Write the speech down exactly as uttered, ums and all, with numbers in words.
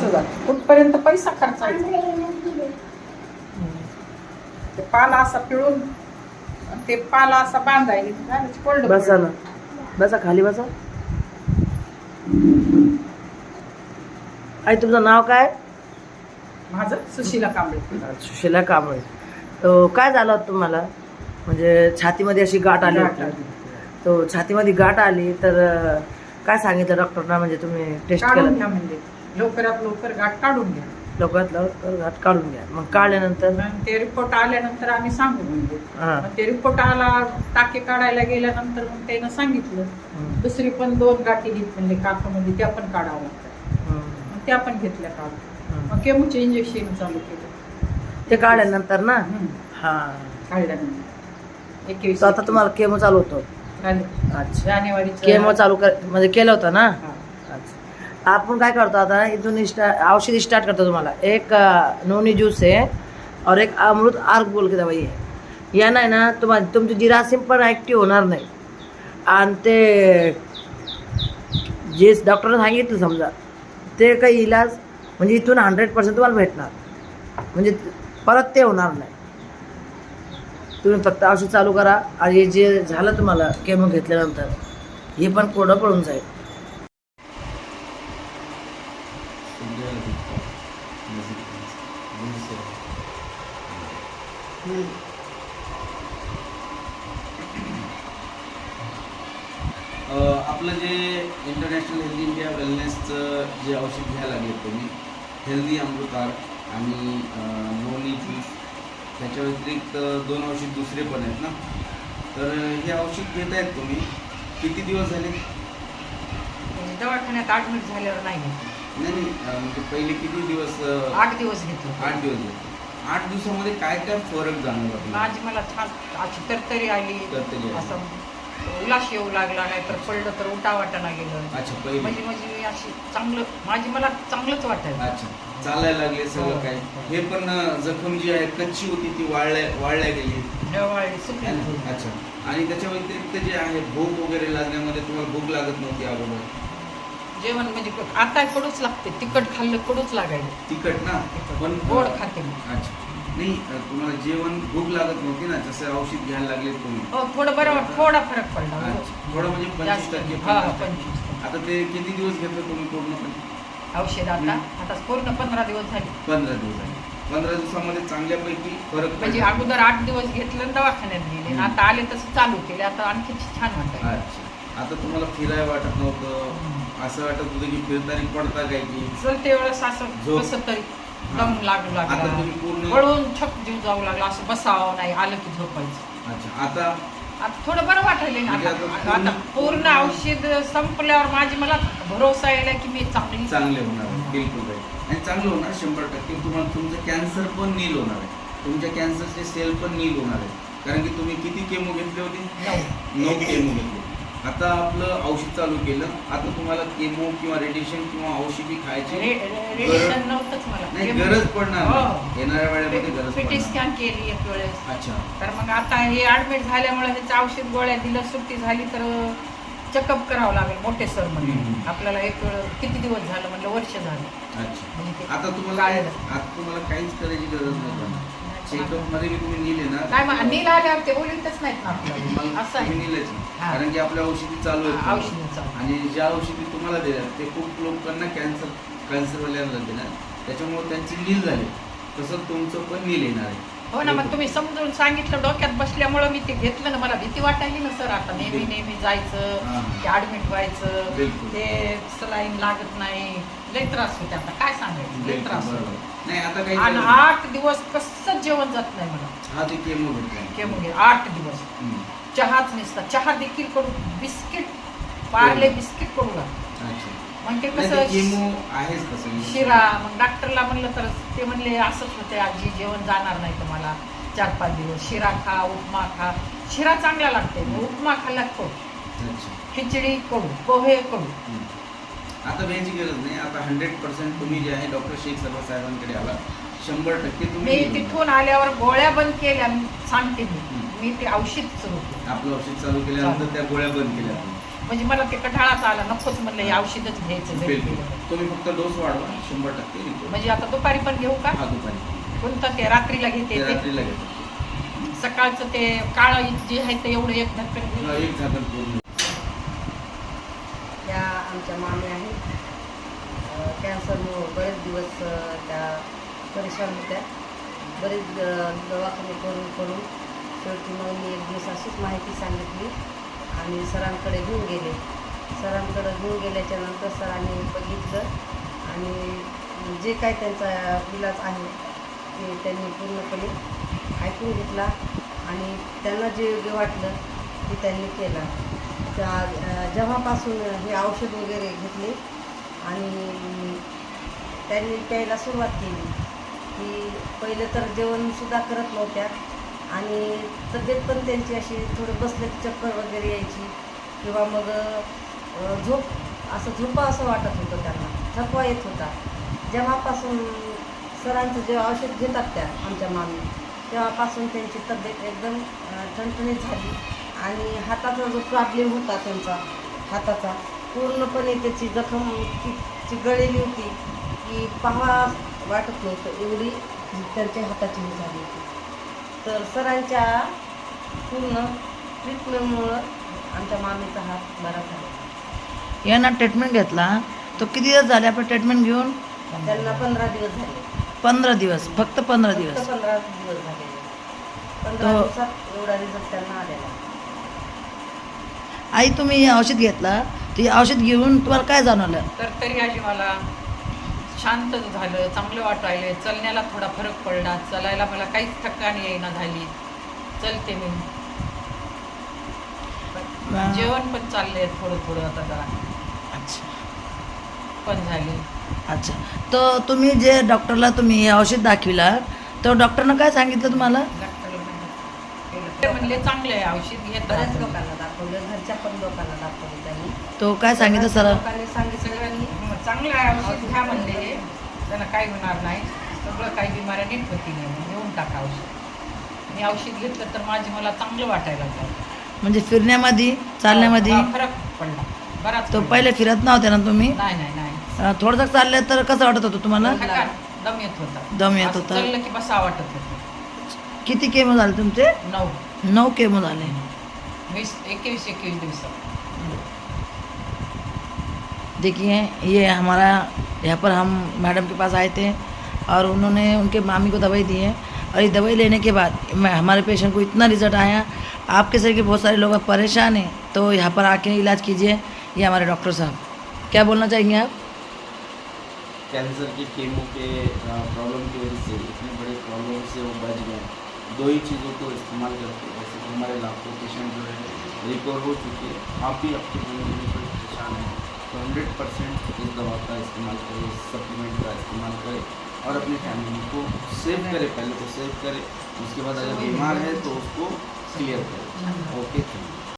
जात कुठपर्यंत पैसा खर्चायचा. ते पाला असा पिळून ते पाला असा बांधायला. बसा ना, बसा खाली बसा. आई तुमचं नाव काय? माझं सुशीला कांबळे. सुशीला कांबळे. तो काय झालं होतं तुम्हाला? म्हणजे छातीमध्ये अशी गाठ आली होती. तो छातीमध्ये गाठ आली तर काय सांगितलं डॉक्टरना? म्हणजे तुम्ही टेस्ट काढून घ्या म्हणजे लवकरात लवकर गाठ काढून घ्या. लवकरात लवकर गाठ काढून घ्या. मग काढल्यानंतर ते रिपोर्ट आल्यानंतर आम्ही सांगू म्हणजे हां मग ते रिपोर्ट आला टाके काढायला गेल्यानंतर मग त्यानं सांगितलं दुसरी पण दोन गाठी घेत म्हणजे काखामध्ये त्या पण काढावं लागतात. मग त्या पण घेतल्या काढून मग केमोचे इंजेक्शन चालू केलं ते काढल्यानंतर ना. हां काढल्यानंतर एकवीस तर आता तुम्हाला केमो चालू होतो. अच्छा जानेवारी केमो चालू कर म्हणजे केलं होतं ना. अच्छा आपण काय करतो आता इथून स्टार्ट औषधी स्टार्ट करतो. तुम्हाला एक नोनी ज्यूस आहे और एक अमृत आर्क बोल के दवाई आहे. या नाही ना तुम्हाला तुमची जिरासीम पण ॲक्टिव्ह होणार नाही. आणि ते जे डॉक्टरने सांगितलं समजा ते काही इलाज म्हणजे इथून हंड्रेड पर्सेंट तुम्हाला भेटणार. म्हणजे परत ते होणार नाही. तुम्ही फक्त औषध चालू करा आणि जे झालं तुम्हाला केमो घेतल्यानंतर हे पण कोरडं पडून जाईल. आपलं जे इंटरनॅशनल हेल्दी इंडिया वेलनेसचं जे औषध घ्यायला लागले तुम्ही हेल्दी अमृतार आणि नोनी ज्यूस त्याच्या व्यतिरिक्त दोन औषध दुसरे पण आहेत ना. तर हे औषध घेत आहेत तुम्ही किती दिवस झाले? दवाखान्यात ऍडमिट झाल्यावर नाही घेतलं. नाही नाही म्हणजे पहिले किती दिवस? आठ दिवस घेतलं. आठ दिवस घेतले. आठ दिवसामध्ये काय काय फरक जाणवला? माझी मला छान अशी तरतरी आली. तरतरी आली. असं उलाश येऊ लागला नाही तर पडलं तर उठा वाटाणा गेलं. अच्छा पहिले म्हणजे म्हणजे अशी चांगलं माझी मला चांगलंच वाटायचं. अच्छा चालायला लागले सगळं काय. हे पण जखम जी आहे कच्ची होती ती वाळल्या वाळल्या गेली. वाळली सुकली. अच्छा आणि त्याच्या व्यतिरिक्त जे आहे भूक वगैरे लागण्यामध्ये तुम्हाला भूक लागत नव्हती अगोदर? जेवण म्हणजे आता कडूच लागते. तिखट खाल्लं कडूच लागायचं. तिखट ना पण गोड खाते मी. अच्छा नाही तुम्हाला जेवण भूक लागत नव्हती ना जसं औषध घ्यायला लागले तुम्ही? हो थोडं बरं थोडा फरक पडला. थोडं म्हणजे पंचवीस टक्के. हा पंचवीस. आता ते किती दिवस घेतलं तुम्ही पूर्णपणे औषध? आता आता पूर्ण पंधरा दिवस झाले. पंधरा दिवस झाले. पंधरा दिवसामध्ये चांगल्यापैकी फरक म्हणजे अगोदर आठ दिवस घेतलं दवाखान्यात गेले आता आले तसं चालू केले. आता आणखी छान वाटत. अच्छा आता तुम्हाला फिरायला वाटत नव्हतं असं वाटत होतं की फिरताना पडता काय की चलते वेळेस असं कसं तरी दम लागू लागला. वळून छक जीव जाऊ लागला. असं बसावं नाही आलं की झोपायचं. अच्छा आता आता थोडं बरं वाटायला. आता पूर्ण औषध संपल्यावर माझी मला भरोसा यायला की मी चांगली चांगले होणार. बिलकुल राईट. आणि चांगलं होणार शंभर टक्के. तुम्हाला तुमचं कॅन्सर पण नील होणार आहे. तुमच्या कॅन्सरचे सेल पण नील होणार आहे. कारण की तुम्ही किती केमो घेतले होते? नऊ केमो घेतले. आता आपलं औषध चालू केलं. आता तुम्हाला केमो किंवा रेडिएशन किंवा औषधी खायची रेडिएशन नव्हतंच मला. नाही गरज पडणार नाही. येणाऱ्या वेळेमध्ये गरज सिटी पडणार. स्कॅन केली एक वेळेस. अच्छा तर मग आता हे ऍडमिट झाल्यामुळे ह्याचं औषध गोळ्या दिलं सुट्टी झाली तर चेकअप करावं लागेल मोठे सर म्हणजे आपल्याला एक वेळ किती दिवस झालं म्हणलं वर्ष झालं. अच्छा आता तुम्हाला आता तुम्हाला काहीच करायची गरज नाही. चेकअप मध्ये मी तुम्ही नेले ना काय मग नील आल्यावर ते बोलतच नाहीत ना आपल्याला. असं आहे नेलंच कारण की आपल्या औषधी चालू आहेत. औषधी आणि ज्या औषधी तुम्हाला दिल्या ते खूप लोकांना कॅन्सर कॅन्सरवाल्यांना दिल्या त्याच्यामुळे त्यांची नील झाली. तसं तुमचं पण नील येणार आहे. हो ना मग तुम्ही समजून सांगितलं डोक्यात बसल्यामुळे मी ते घेतलं ना. मला भीती वाटायली ना सर. आता नेहमी नेहमी जायचं ते ऍडमिट व्हायचं ते सलाईन लागत नाही लय त्रास होते. आता काय सांगायचं लय त्रास होतो. नाही आता काही आणि आठ दिवस कसं जेवण जात नाही मला. हा ते केमो घेतला. केमो घे आठ दिवस चहाच नसता. चहा देखील करू बिस्किट पार्ले बिस्किट करू लागतं. मग ते कसं केमो आहेच तसं शिरा. मग डॉक्टरला म्हणलं तर ते म्हणले असंच होते आजी जेवण जाणार नाही तुम्हाला चार पाच दिवस. शिरा खा उपमा खा. शिरा चांगला लागते. उपमा खाल्ला कडू. खिचडी कडू. पोहे कडू. आता भ्यायची गरज नाही. आता हंड्रेड पर्सेंट तुम्ही जे आहे डॉक्टर शेख सर्व साहेबांकडे आला शंभर टक्के तुम्ही. मी तिथून आल्यावर गोळ्या बंद केल्या सांगते मी. मी ते औषध सुरू केलं. आपलं औषध चालू केल्यानंतर त्या गोळ्या बंद केल्या. म्हणजे मला ते कठाळाच आला, नकोच म्हणलं हे औषधच घ्यायचं घरी. बिलकुल तुम्ही फक्त डोस वाढवा, शंभर टक्के रिपोर्ट. म्हणजे आता दुपारी पण घेऊ का? हा दुपारी कोणतं ते रात्रीला घेते ते ते? रात्रीला घेतो. सकाळचं ते काळं जे आहे ते एवढं एक ढक्कन घेऊ. एक झाकण पूर्ण. त्या आमच्या मामी आहेत, कॅन्सरमुळं बरेच दिवस अ, त्या परेशान होत्या. बरेच अ, दवाखाने करून करून शेवटी मग मी एक दिवस अशीच माहिती सांगितली आणि सरांकडे घेऊन गेले. सरांकडे घेऊन गेल्याच्या नंतर सरांनी बघितलं आणि जे काय त्यांचा इलाज आहे ते त्यांनी पूर्णपणे ऐकून घेतला आणि त्यांना जे योग्य वाटलं ते त्यांनी केलं. त्या अ, जेव्हापासून हे औषध वगैरे घेतले आणि त्यांनी प्यायला सुरुवात केली की पहिलं तर जेवणसुद्धा करत नव्हत्या आणि तब्येत पण त्यांची अशी थोडं बसले चक्कर वगैरे यायची किंवा मग अ, झोप असं झोपा असं वाटत होतं त्यांना, थकवा येत होता. जेव्हापासून सरांचं जे औषध घेतात त्या आमच्या मामी, तेव्हापासून त्यांची तब्येत एकदम अ, ठणठणीत झाली आणि हाताचा जो प्रॉब्लेम होता त्यांचा हाताचा पूर्णपणे त्याची जखम इतकी गळलेली होती की पाहावा वाटत नव्हतं, एवढी त्यांच्या हाताची ही झाली होती. तर सरांच्या पूर्ण ट्रीटमेंटमुळं आमच्या मामीचा हात बरा झाला. यांना ट्रीटमेंट घेतला तो किती दिवस झाले आपण ट्रीटमेंट घेऊन? त्यांना पंधरा दिवस झाले. पंधरा दिवस फक्त पंधरा फक्त दिवस पंधरा दिवस झालेले. पंधरा तो- दिवसात एवढा रिझल्ट त्यांना आलेला. आई तुम्ही हे औषध घेतला ते औषध घेऊन तुम्हाला काय जाणवलं? तर तरी आजी मला शांत झालं, चांगलं वाटायलं, चलण्याला थोडा फरक पडला, चलायला मला काहीच थकान येईना झाली, चलते मी. वा. जेवण पण चाललंय थोडं थोडं आता जरा अच्छा पण झाले. अच्छा तर तुम्ही जे डॉक्टरला तुम्ही हे औषध दाखविला तर डॉक्टरनं काय सांगितलं तुम्हाला? डॉक्टरला म्हणलं- ते म्हणले चांगलं आहे औषध घेत बऱ्याच राहा. लोकांना दाखवलं, घरच्या पण लोकांना दाखवलं त्यांनी. तो काय सांगितलं सर? लोकांनी सांगितलं की सगळ्यांनी हं, चांगलं आहे औषध घ्या म्हणले, त्यांना काही होणार नाही, सगळं काही बिमाऱ्या नीट होती नाही, घेऊन टाका औषध. मी औषध घेतलं तर माझी मला चांगलं वाटायला लागलं. म्हणजे फिरण्यामध्ये चालण्यामध्ये हा, फरक पडला बराच तो पडला. पहिले फिरत नव्हते ना तुम्ही? नाही नाही नाही अं, थोडंसं चाललं तर कसं वाटत होतं तुम्हाला? थकान, दम येत होता, दम येत असं होता. चाललं की बसा वाटत होतं. किती केमो झाले तुमचे? नऊ नऊ केमो झाले. वीस एकवीस एकवीस दिवसात. देखिए ये हमारा यहाँ पर हम मैडम के पास आए थे और उन्होंने उनके मामी को दवाई दी है और ये दवाई लेने के बाद मैं हमारे पेशेंट को इतना रिजल्ट आया. आपके शरीर के बहुत सारे लोग परेशान हैं तो यहाँ पर आके इलाज कीजिए. ये हमारे डॉक्टर साहब क्या बोलना चाहेंगे आप? कैंसर के केमो के प्रॉब्लम की वजह से इतने बड़े प्रॉब्लम से वो बच गए. दो ही चीज़ों को इस्तेमाल करके वैसे तो हमारे लाखों पेशेंट जो है रिकवर हो चुके हैं. आप भी आपकी फैमिली में कोई परेशान है तो हंड्रेड परसेंट इस दवा का इस्तेमाल करें, इस सप्लीमेंट का इस्तेमाल करें और अपनी फैमिली को सेव करें. पहले तो सेव करें, उसके बाद अगर बीमार है तो उसको क्लियर करें. Okay thank you.